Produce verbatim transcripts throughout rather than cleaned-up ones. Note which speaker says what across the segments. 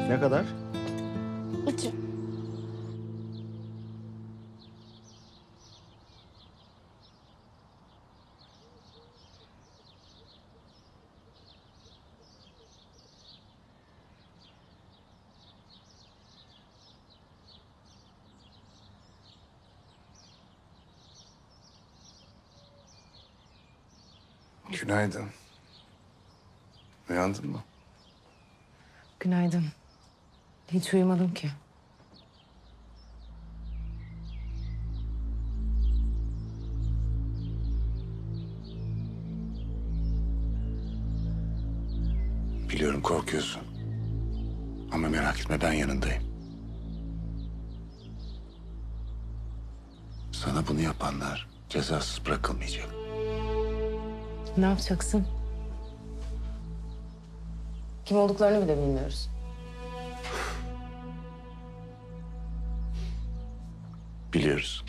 Speaker 1: Ne kadar?
Speaker 2: İki.
Speaker 3: Günaydın. Uyandın mı?
Speaker 4: Günaydın. Hiç uyumadım ki.
Speaker 3: Biliyorum korkuyorsun. Ama merak etme ben yanındayım. Sana bunu yapanlar cezasız bırakılmayacak.
Speaker 4: Ne yapacaksın? Kim olduklarını bile bilmiyoruz.
Speaker 3: Biliyoruz.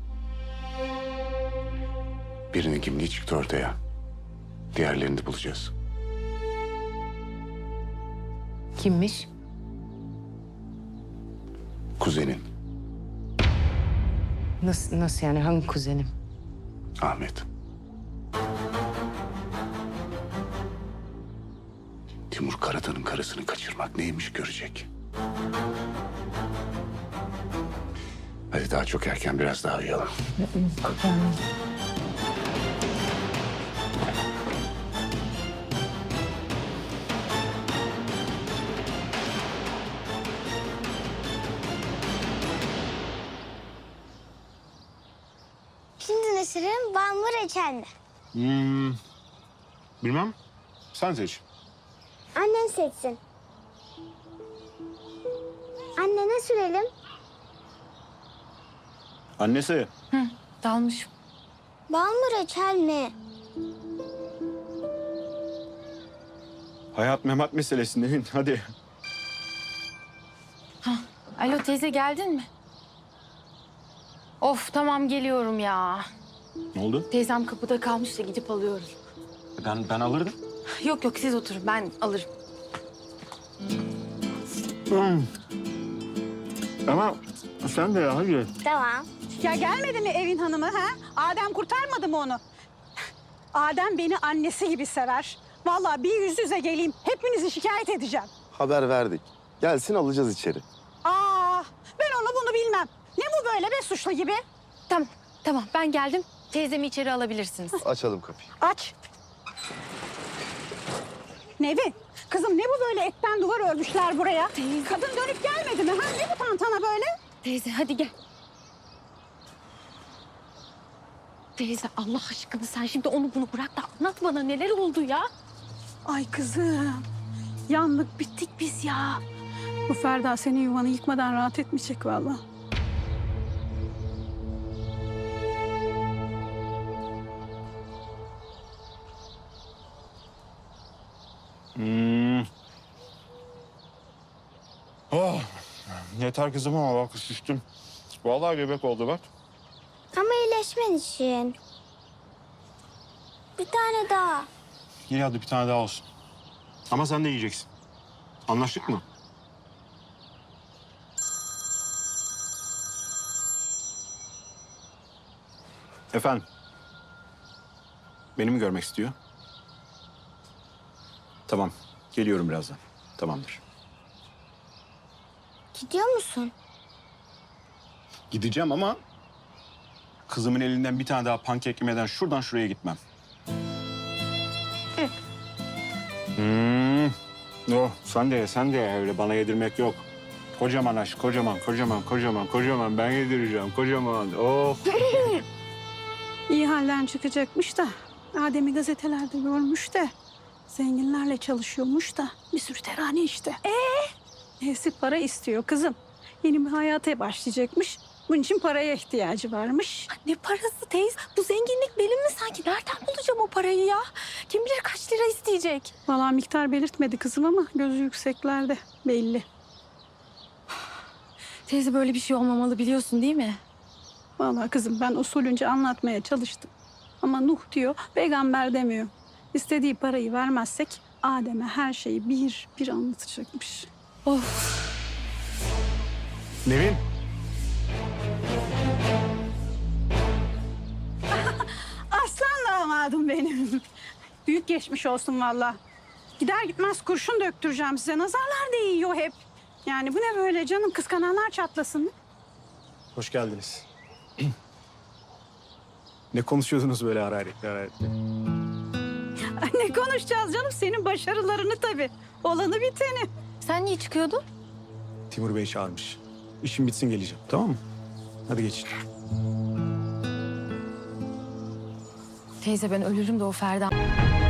Speaker 3: Birinin kimliği çıktı ortaya. Diğerlerini de bulacağız.
Speaker 4: Kimmiş?
Speaker 3: Kuzenin
Speaker 4: Nasıl, nasıl yani? Hangi kuzenim?
Speaker 3: Ahmet. Timur Karatan'ın karısını kaçırmak neymiş görecek. Hadi daha çok erken biraz daha uyuyalım.
Speaker 2: Şimdi ne süreyim? Bal mı reçel mi?
Speaker 1: Hmm, bilmem. Sen seç.
Speaker 2: Annen seçsin. Anne ne sürelim?
Speaker 1: Annesi.
Speaker 4: Dalmış.
Speaker 2: Bal mı reçel mi?
Speaker 1: Hayat memat meselesi Nevin. Hadi.
Speaker 5: Alo teyze geldin mi? Of tamam geliyorum ya.
Speaker 1: Ne oldu?
Speaker 5: Teyzem kapıda kalmış da gidip alıyorum.
Speaker 1: Ben ben alırdım.
Speaker 5: Yok yok siz oturun ben alırım.
Speaker 1: Hmm. Ama sen de ya hadi.
Speaker 2: Tamam.
Speaker 6: Ya gelmedi mi evin hanımı ha? Adem kurtarmadı mı onu? Adem beni annesi gibi sever. Vallahi bir yüz yüze geleyim. Hepinizi şikayet edeceğim.
Speaker 7: Haber verdik. Gelsin alacağız içeri.
Speaker 6: Aa, ben onu bunu bilmem. Ne bu böyle be suçlu gibi?
Speaker 5: Tamam tamam ben geldim. Teyzemi içeri alabilirsiniz.
Speaker 7: Açalım kapıyı.
Speaker 6: Aç. Nevin, kızım ne bu böyle etten duvar örmüşler buraya? Kadın dönüp gelmedi mi? Ha? Ne bu tantana böyle?
Speaker 5: Teyze hadi gel. Teyze Allah aşkına sen şimdi onu bunu bırak da anlat bana neler oldu ya.
Speaker 6: Ay kızım, yandık bittik biz ya. Bu Ferda senin yuvanı yıkmadan rahat etmeyecek vallahi.
Speaker 1: Hmm. Oh. Yeter kızım ama bak şiştim. Vallahi göbek oldu bak.
Speaker 2: Ama iyileşmen için. Bir tane daha.
Speaker 1: İyi hadi bir tane daha olsun. Ama sen de yiyeceksin. Anlaştık mı? Efendim? Beni mi görmek istiyor? Tamam. Geliyorum birazdan. Tamamdır.
Speaker 2: Gidiyor musun?
Speaker 1: Gideceğim ama kızımın elinden bir tane daha pankek yemeden şuradan şuraya gitmem. Hmm. Oh, sen de ye, sen de ye. Öyle bana yedirmek yok. Kocaman aşk, kocaman, kocaman, kocaman, kocaman. Ben yedireceğim, kocaman. Oh.
Speaker 6: İyi halden çıkacakmış da Adem'i gazetelerde görmüş de zenginlerle çalışıyormuş da bir sürü terane işte. Ee? Neyse para istiyor kızım. Yeni bir hayata başlayacakmış. Bunun için paraya ihtiyacı varmış.
Speaker 5: Ne parası teyze? Bu zenginlik benim mi sanki? Nereden bulacağım o parayı ya? Kim bilir kaç lira isteyecek?
Speaker 6: Vallahi miktar belirtmedi kızım ama gözü yükseklerde belli.
Speaker 5: Teyze böyle bir şey olmamalı biliyorsun değil mi?
Speaker 6: Vallahi kızım ben usulünce anlatmaya çalıştım. Ama Nuh diyor, peygamber demiyor. İstediği parayı vermezsek Adem'e her şeyi bir bir anlatacakmış.
Speaker 5: Of.
Speaker 1: Nevin.
Speaker 6: Aslan damadım benim. Büyük geçmiş olsun valla. Gider gitmez kurşun döktüreceğim size. Nazarlar değiyor hep. Yani bu ne böyle canım, kıskananlar çatlasın.
Speaker 8: Hoş geldiniz. Ne konuşuyordunuz böyle hararetli hararetli?
Speaker 6: Ay, ne konuşacağız canım, senin başarılarını tabii. Olanı biteni.
Speaker 5: Sen niye çıkıyordun?
Speaker 8: Timur Bey çağırmış. İşim bitsin geleceğim, tamam mı? Hadi geçin.
Speaker 5: Teyze ben ölürüm de o Ferda.